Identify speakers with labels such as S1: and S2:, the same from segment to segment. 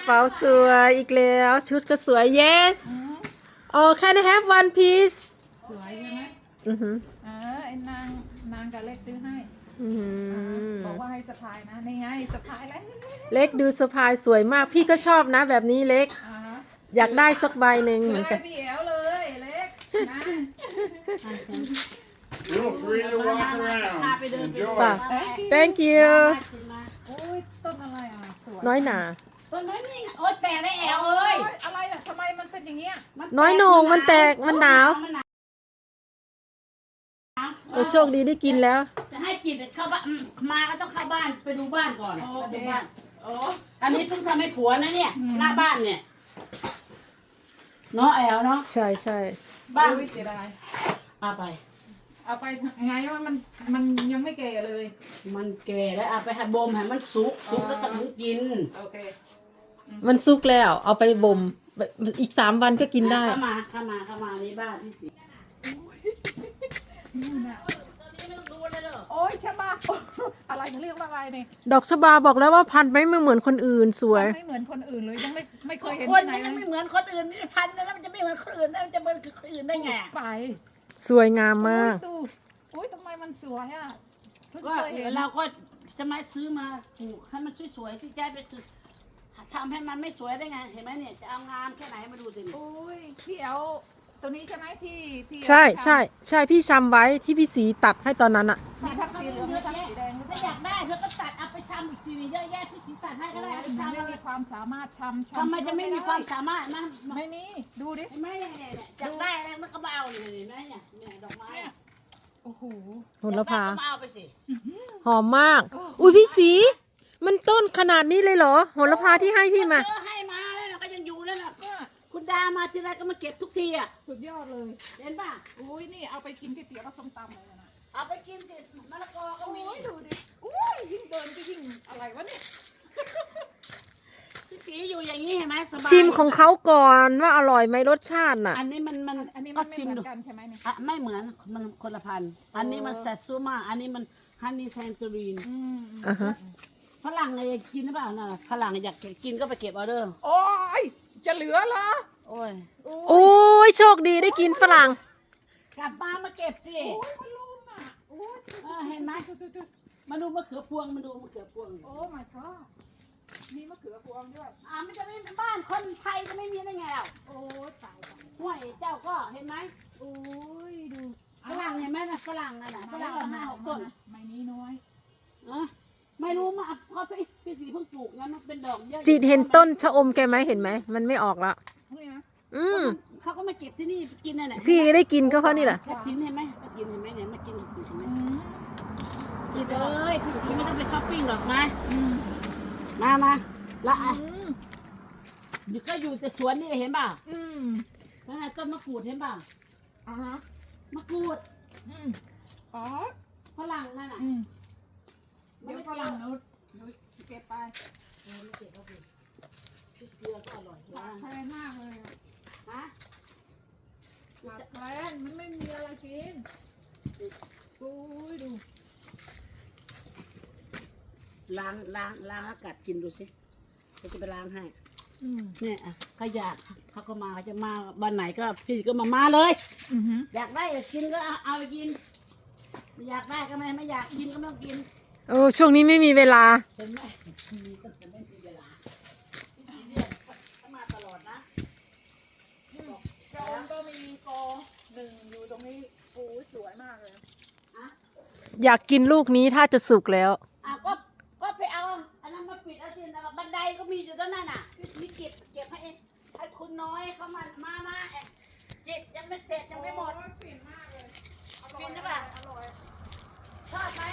S1: เป๋าสวยอีกแล้วชุดก็สวย yes oh can I have one piece
S2: สวยใช่ไหม
S1: อือหือ
S2: ไอ้นางกับเล็กซื้อให้
S1: อือหือ
S2: บอกว่าให้สะพายนะนี่ไงสะพายแล้ว
S1: เล็กดูสะพายสวยมากพี่ก็ชอบนะแบบนี้เล็ก อยากได้สักใบหนึ่ง
S2: ส
S1: เห
S2: ว
S1: มื
S2: ย
S1: อนกัน
S2: พี่แอวเลยเล็กนะ
S3: Feel free to walk around. Enjoy.
S1: ป่ะ thank you
S2: โอ้ยต้นอะไรอ่ะสวย
S1: น้อยหนา
S4: ต้นไม้นี่ไงโอ๊ยแตกได้แอลเอ้ย
S2: อะไรอ่ะทำไมมันเป็นอย่างเงี้ย
S1: น้อยโหน่งมันแตกมันหนาวโอ้โชคดีได้กินแล้ว
S4: จะให้กินเข้าบ้านมาก็ต้องเข้าบ้านไปดูบ้านก่อน
S2: โอ
S4: ไป
S2: เค
S4: ดูบ้าน
S2: โอ้
S4: อันนี้เพิ่งทำให้ผัวนะเนี่ยหน้าบ้านเนี่ยเนาะแอลเนาะ
S1: ใช่ใช่
S4: บ้าน
S2: อุ้ยเสียดาย
S4: เอาไป
S2: เอาไปไงมันยังไม่แก่เลย
S4: มันแก่แล้วเอาไปให้บ่มให้มันสุกแล้วก็ถึงกิน
S2: โอเค
S1: มันสุกแล้วเอาไปบ่มอีก3 วันก็กินได้
S4: เข้ามาในบ้านที่สิ
S2: นี่นะ
S4: ตอนนี้ไม่ต้องดูเลยเด้อ
S2: โอ้ยชะบาอะไรเขาเรียกว่าอะไรเนี่ย
S1: ดอกชบาบอกแล้วว่าพันธุ์ไม่เหมือนคนอื่นสวย
S2: ไม่เหมือนคนอื่นเลยยังไม่เคยเห็น
S4: คน
S2: ที่ไหน
S4: มัน
S2: เล
S4: ไม่
S2: ย
S4: เหมือนคนอื่นนี่พันแล้วมันจะไม่เหมือนคนอื่นแล้วมันจะเหมือนคนอื่นได้ไง
S2: ไป
S1: สวยงามมาก
S2: ดูอุ้ยทำไมมันสวยอ่ะเพิ่ง
S4: ก็
S2: เคยเห็น
S4: เราก็จะมาซื้อมาปลูกให้มันสวยๆที่แจ้ไปคือทำให้มันไม่สวยได้ไงเห็นไหมเนี่ยจะเอางามแค่ไหนมาดูสิ
S2: อุ้ยพี่แอลตัวนี้ใช่ไหมที่พี่
S1: ใช่ใช่ใช่พี่ชำไว้ที่พี่สีตัดให้ตอนนั้นอะ
S2: มีทักสีเหลืองมีทักสีแดงหรือเป
S4: ถ้า
S2: ล่า
S4: อยากได้เธอก็ตัดเอาไปชำอีกทีนึงเยอะแยะพี่สีตัดให้ก็ได้เอาไป
S2: มัน
S4: ชำ
S2: ไม่มีความสามารถชำ
S4: ทำไมจะไม่มีความสามารถนะ
S2: ไม่มีดูดิ
S4: เห็นไหมเนี่ยอยากได้แล้วมันก็มาเอาเนี่ยเห็นไหมเนี่ยดอกไม้
S2: โอ้โห
S1: โหระพา
S4: ก็มาเอาไปสิ
S1: หอมมาก อุ้ยพี่สี มันต้นขนาดนี้เลยเหรอโหระพาที่ให้พี่มา
S4: เธอให้มาแล้วนะก็ยังอยู่นั่นน่ะ
S2: เนี่ย
S4: คุณดามาทีไรก็มาเก็บทุกทีอ่ะ
S2: สุดยอดเลย
S4: เห็นป่ะ
S2: อุ้ยนี่เอาไปกินก๋วยเตี๋ยวกับส้มตำเลยนะ
S4: เอาไปกินสิมะละกอก็มี
S2: โอ้ยดูดิอุ้ยยิ่งเดินก็ยิ่งอะไรวะเนี่ย
S4: พี่สีอยู่อย่างนี้เห็นไหมสบาย
S1: ชิมของเขาก่อนว่าอร่อยไหมรสชาติน่ะ
S4: อันนี้มัน
S2: อันนี้
S4: ก็
S2: มันไม่
S4: ชิม
S2: เหมือ
S4: ดู
S2: นกันใช่ไหมเนี่ย
S4: อ่ะไม่เหมือนมันคนละพันธุ์อันนี้มันแซตซูมาอันนี้มันฮันนี่แทนตูรีน
S1: อ่าฮะ
S4: ฝรั่งอยากกินหรือเปล่าน่ะฝรั่งอยากกินก็ไปเก็บออเดอร์
S2: โอ้ยจะเหลือเหรอ
S4: โอ้ย
S1: โอ้ยโชคดีได้กินฝรั่ง
S4: กลับมาเก็บสิ
S2: โอ้ยมันลุ่มอ่ะโอ้ย
S4: เห็นไหมมาดูมะเขือพวงมาดูมะเขือพวง
S2: โอ้ my god มีมะเขือพวงด้วย
S4: มันจะไม่เป็นบ้านคนไทยจะไม่มีได้ไงอ่ะ
S2: โอ้ยตายตาย
S4: ห้วยเจ้าก็เห็นไหม
S2: โอ้ยดู
S4: ฝรั่งเห็นไหมนะฝรั่งนั่นน่ะฝรั่งละ5-6 ต้น
S2: ไม่นี้น้อย
S4: ไม่รู้มาเพราะพี่สีเพิ่งปลูกงั้นมันเป็นดอกเยอะ
S1: จิตเห็นต้นชะอมแกไหมเห็นไหมมันไม่ออกแล้ว
S2: นี่นะ
S1: อืม
S4: เขาก็มาเก็บที่นี่กินนั่นแหละ
S1: พี่ได้กินก็เพราะนี่แหละ
S4: กระถินเห็นไหมกระถินเห็นไหมเนี่ยมากินกระถินเห็นไหม
S2: อืม
S4: กินเลยพี่สีไม่ต้องไปช้อปปิ้งหรอกมา
S2: อืม
S4: มาละ
S2: อืม
S4: อยู่ก็อยู่แต่สวนนี่เห็นป่ะ
S2: อืม
S4: นั่นน่ะต้นมะกรูดเห็นป่ะ
S2: อ่าฮะ
S4: มะกรูด
S2: อืมอ๋อ
S4: ฝรั่งนั่นน่ะ
S2: อืมเดี๋ยวฝรั่งนู้นเก็บไป
S4: ไม่เก็บก็คือพริกเกลือก็อร่อย
S2: ขาดแคลนมากเลยอะ
S4: ฮะ
S2: ขาดแคลนมันไม่มีอะไรกินโอ้ยดู
S4: ล้างอากาศกินดูสิจะไปล้างให้
S2: อืม
S4: เนี่ยขยะเขาก็มาเขาจะมาวันไหนก็พี่ก็มาเลย
S2: อือหือ
S4: อยากได้กินก็เอาไปกินไม่อยากได้ก็ไม่อยากกินก็ไม่ต้องกิน
S1: โอ้ช่วงนี้ไม่มีเวลา
S4: เห็นไหมมีก็จะไม่มีเวลาพี่สีเนี่ยเขามาตลอดนะ
S2: จอมก็มีกอหนึ่งอยู่ตรงนี้โอ้ยสวยมากเลย
S1: อยากกินลูกนี้ถ้าจะสุกแล้ว
S4: ก็ไปเอาอันนั้นมาปิดเอาสินะบันไดก็มีอยู่ตรงนั้นน่ะมีเก็บให้คุณน้อยเขามาเก็บยังไม่เสร็จยังไม่หมด
S2: ฟินมากเลย
S4: ฟินใช่ป่ะ
S2: อร่อย
S4: ชอบไหม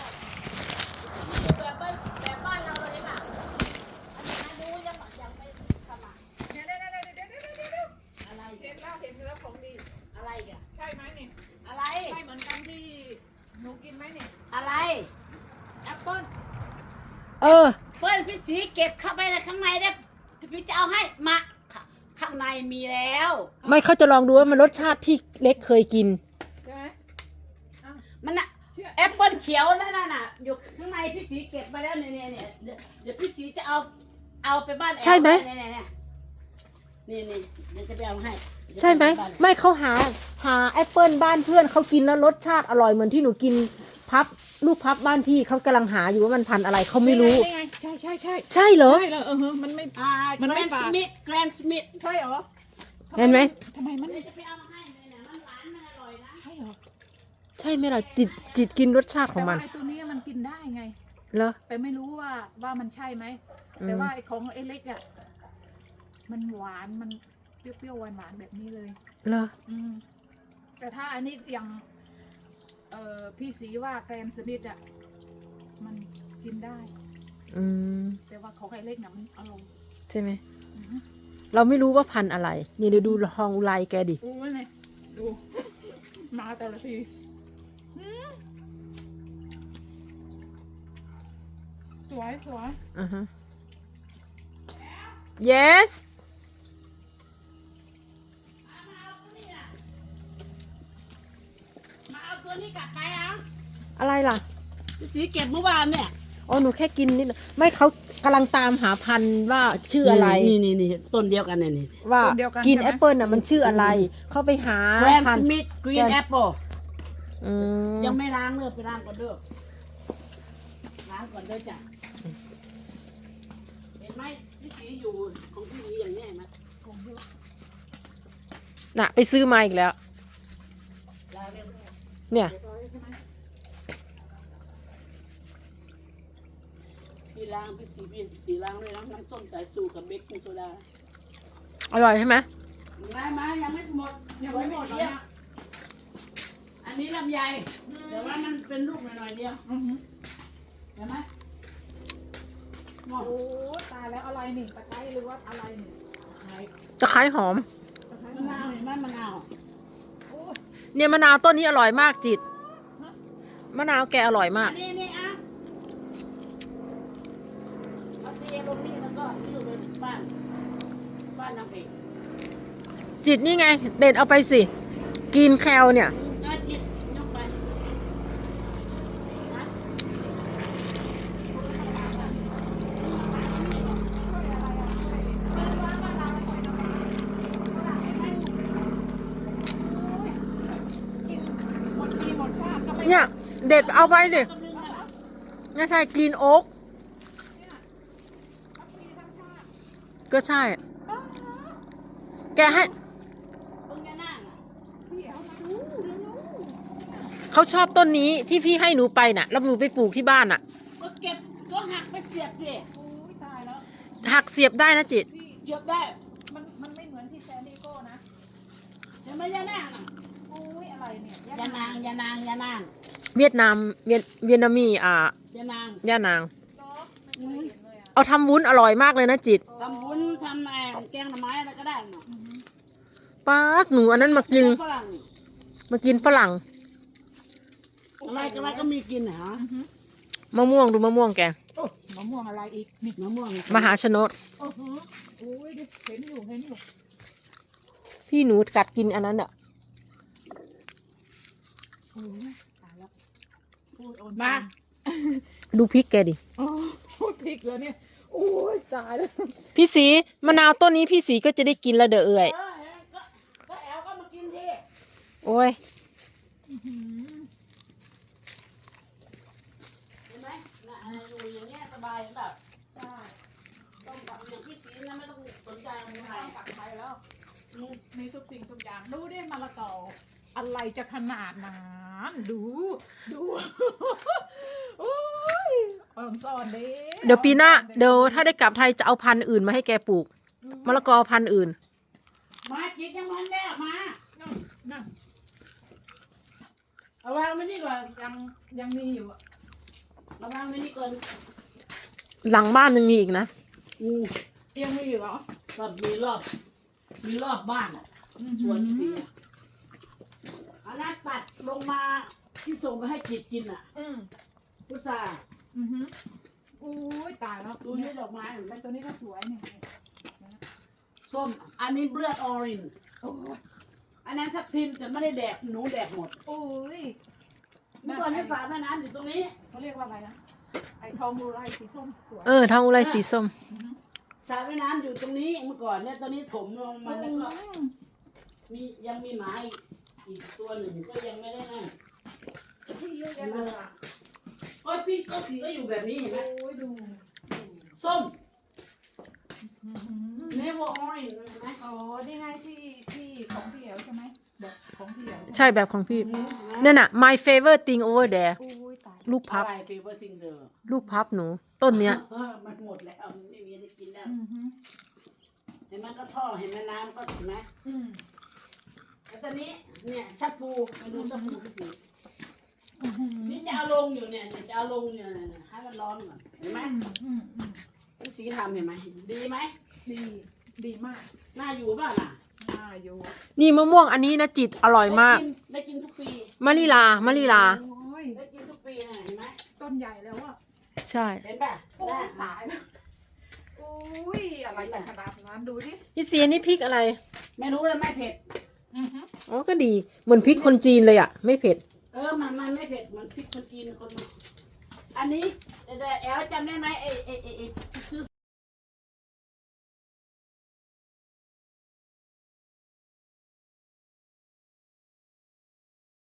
S4: แบบบ้านเราเลยป่ะอันนี้ดูยังไม่ทำอ่ะ
S2: เดี๋ยว
S4: อะไร
S2: เห็นแล้วของดี
S4: อะไรกัน
S2: ใช่ไหมนี่
S4: อะไร
S2: ใช่เหมือนกันที่หนูกินไหมนี่
S4: อะไร
S2: แอปเปิ้ล
S1: เออ
S4: เปิ้ลพี่สีเก็บเข้าไปในข้างในได้พี่จะเอาให้มาข้างในมีแล้ว
S1: ไม่เขาจะลองดูว่ามันรสชาติที่เล็กเคยกิน
S2: ใช่ไหมอ้าว
S4: มันอะ
S2: เชื่อ
S4: แอปเปิ้ลเขียวนั่นน่ะอยู่ข้างในพี่สีเก็บไปแล้วเนี่ยเดี๋ยวพี่สีจะเอาเอาไปบ้านแอล
S1: ใช่ไหม
S4: นี่เดี๋ยวจะไปเอาให้
S1: ใช่ไหมไม่เขาหาแอปเปิลบ้านเพื่อนเขากินแล้วรสชาติอร่อยเหมือนที่หนูกินพับลูกพับบ้านพี่เขากำลังหาอยู่ว่ามันพันธุ์อะไรเขาไม่รู้
S2: นี่ไงใช่
S1: ใช่เหรอ
S2: ใช่เลยมันไม่
S4: แกรนด์สมิธ
S2: ใช่เหรอ
S1: เห็นไหม
S2: ทำไมมัน
S4: เดี๋ยวจะไปเอามาให้เลยนะมันหวานมันอร่อยนะ
S2: ใช่เหรอ
S1: ใช่ไหมล่ะจิตกินรสชาติของมัน
S2: แต่ว่าไอ้ตัวนี้มันกินได้ไง
S1: เหรอ
S2: แต่ไม่รู้ว่ามันใช่ไหม
S1: อืม
S2: แต่ว่าไอ้ของไอ้เล็กอ่ะมันหวานมันเปรี้ยวๆหวานๆแบบนี้เลย
S1: เหรอ
S2: แต่ถ้าอันนี้อย่างพี่สีว่าแกรนด์สมิธอ่ะมันกินได้
S1: อืม
S2: แต่ว่าของไอ้เล็กน่ะมันอร่อย
S1: ใช่ไหมเราไม่รู้ว่าพันธุ์อะไรนี่เดี๋ยวดูฮองอุไรแกดิ
S2: โอ้ยเนี่ยดู มาแต่ละทีสวย
S1: อือฮะ yes
S4: มาเอาตัวนี้กลับไปอ่ะ
S1: อะไรล่ะ
S4: พี่สีเก็บเมื่อวานเนี่ย
S1: อ๋อหนูแค่กินนิดหน่อยไม่เขากำลังตามหาพันธุ์ว่าชื่ออะไร
S4: นี่ต้นเดียวกันเนี่ยนี่
S1: ว่ากินแอปเปิลน่ะมันชื่ออะไร เขาไปหา
S4: แกรน
S1: พัน
S4: ด์ส
S1: ธุ์
S4: มิธกรีนแอปเปิล
S1: อืม
S4: ยังไม่ล้างเลยไปล้างก่อนเด้อล้างก่อนเด้อจ้ะเห็นไหมพี่สีอยู่ของพี่สีอย่างนี้เห็นไหม
S1: น่ะไปซื้อมาอีกแล้ว
S4: ล้างเร็ว
S1: เนี่ย
S4: พี่ล้างพี่สีล้างด้วยน้ำส้มสายชูกับเบกกิ้งโซดา
S1: อร่อยใช่ไหม
S4: มายังไม่หมดยังไม่หมดเนี่ยอันนี้ลำไยแต่ว่ามันเป็นลูกหน่อยๆเดียวเห็นไหมหมด
S2: โอ้ตายแล้วอะไรนี่ตะไคร้หรือว่าอะไรนี่
S1: จะคล้ายหอม
S4: มะนาวเห็นไหมมะนาว
S1: เนี่ยมะนาวต้นนี้อร่อยมากจิตมะนาวแกอร่อยมาก
S4: นี่อ่ะเอาเทลงนี่แล้วก็อยู่ในบ้านน้ำเอง
S1: จิตนี่ไง เด็ดเอาไปสิกินแคลเนี่ย
S4: น่าจิตยกไปนะ
S2: หมดปีหมดชาติก็ไม่
S1: เนี่ยเด็ดเอาไปดิเนี่ยใช่กินโอ๊กก็ใช่ แกให้
S4: เพิ่งจะนั่งอ่ะ
S2: พี่เอามาดูเร็ว
S1: เขาชอบต้นนี้ที่พี่ให้หนูไปน่ะแล้วหนูไปปลูกที่บ้านน่ะ
S4: ก็เก็บก็หักไปเสียบสิ
S2: ๆโอ้ยตายแล้ว
S1: หักเสียบได้นะจิต
S2: พี่
S4: เสียบได้
S2: มันไม่เหมือนที่แซนดิโก้นะ
S4: เห็นไหมยานั่งอ่ะ
S2: โอ้ยอะไรเนี่ย
S4: ยานาง
S1: เวียดนามเวียดนามี
S4: ยานาง
S1: ย่านาง
S2: จ๊อบไม่เคยเห็นเลยอ่ะ
S1: เอาทำวุ้นอร่อยมากเลยนะจิต
S4: ทำวุ้นทำแกงหน่อไม้อะไรก็ได้เนาะ
S1: ป้าหนูอันนั้นมากิน
S4: ฝรั่งนี่
S1: มากินฝรั่ง
S4: อะไรก็มีกินเหรอ
S1: มะม่วงดูมะม่วงแก
S2: โอ้มะม่วงอะไรอีกนี่
S4: มะม่วง
S1: มหาชนก
S2: โอ้โหโอ้ยดิเห็นอยู่
S1: พี่หนูกัดกินอันนั้นอ่ะ
S2: โอ้ยตายแล้วพูดโอน
S4: มา
S1: ดูพริกแกดิ
S2: โอ้พูดพริกแล้วเนี่ยโอ้ยตายแล้ว
S1: พี่สีมะนาวต้นนี้พี่สีก็จะได้กินแล้วเด้อเอ่ย
S4: ก็แอลก็มากินดิ
S1: โอ้ย
S4: เห็นไหมน่ะอยู่อย่างเงี้ยสบายแบบต้องแบบอย่างพี่สีนะไม่ต้องสนใจอะไร
S2: กลับไปแล้วมีทุกสิ่งทุกอย่างดูได้มะละกออะไรจะขนาดนั้นดู โอ้ยอ่อนซ่อนเด้
S1: เดี๋ยวปีหน้าเดี๋ยวถ้าได้กลับไทยจะเอาพันธุ์อื่นมาให้แกปลูกมะละกอพันธุ์อื่น
S4: มาจิตยังมันแม่มา
S2: นั่น
S4: เอาวางไว้นี่ก่อน
S2: ยังมีอยู่อะ
S4: เอาวางไว้นี่ก่อน
S1: หลังบ้านยังมีอีกนะ
S2: ยังมีอยู่เหรอ
S4: ก็มีรอบบ้านอ่ะสวนสีอะอันนั้นตัดลงมาที่ส่งไปให้จิตกินอ่ะ
S2: อืม
S4: พุทรา
S2: โอ้ยตายแล้ว
S4: ดูนี่ดอกไม้เห็นไหม
S2: ตัวนี้ก็สวยเนี่ย
S4: ส้มอันนี้เลือดออริน
S2: โอ้ย
S4: อันนั้นทับทิมแต่ไม่ได้แดกหนูแดกหมด
S2: โอ้ย
S4: เมื่อก่อนที่สระแม่น้ำอยู่ตรงนี้
S2: เขาเรียกว่าอะไรนะไอ้ทองมูไรสีส้มสวย
S1: ทองอุไรสีส้ม
S4: สระว่ายน้ำอยู่ตรงนี้เมื่อก่อนเนี่ยตอนนี้ถมลงมาแล้วก็ยังมีหมาอีกตัวหนึ่งก็ยังไม่ได้นั่น
S2: ที่เยอะแยะเลยอ่ะ
S4: โอ้ยพี่ก็สีก็อยู่แบบนี้เห็นไหม
S2: โอ้ยดู
S4: ส้ม never orange เห็นไหม
S2: อ๋อนี่ไงที่ของพี่เอ๋วใช่ไหมแบบของพี่เอ๋ว
S1: ใช่แบบของพี่นั่นน่ะ my favorite thing over there
S2: โอ้ยตาย
S1: ลูกพับ
S4: อะไร favorite thing เด้อ
S1: ลูกพับหนู ต้นเนี้ย
S4: มันหมดแล้วมันไม่มีอะไรกินแล้ว
S2: อือหือ
S4: เห็นไหมก็ท่อเห็นไหมน้ำก็เห็นไหม
S2: อืม
S4: แล้วตอนนี้เนี่ยชักปูมาดูชักปูพี่สี
S2: อือหือ
S4: นี่จะเอาลงอยู่เนี่ยจะเอาลงเนี่ยให้มันร้อนก่อนเห็นไหม
S2: อืม
S4: พี่สีทำเห็นไหมดีไหม
S2: ดีดีมาก
S4: น่าอยู่ป่ะล่ะ
S2: น่าอยู่
S1: นี่มะม่วงอันนี้นะจิตอร่อยมาก
S4: ได้กินทุกปี
S1: มะลิลามะลิลา
S2: โอ้ย
S4: ได้กินทุกปีนะเห็นไหม
S2: ต้นใหญ่แล้วอ่ะ
S1: ใช่
S4: เห็นป่ะ
S2: โอ้ยตายแล้วโอ้ยอะไรจะขนาดนั้นดูดิ
S1: พี่เสียนี่พริกอะไร
S4: ไม่รู้เลยไม่เผ็ด
S2: อือหือ
S1: อ๋อก็ดีเหมือนพริกคนจีนเลยอ่ะ ไม่เผ็ด
S4: มันไม่เผ็ดเหมือนพริกคนจีนคนอันนี้แต่แอลจำได้ไหมไอ้พ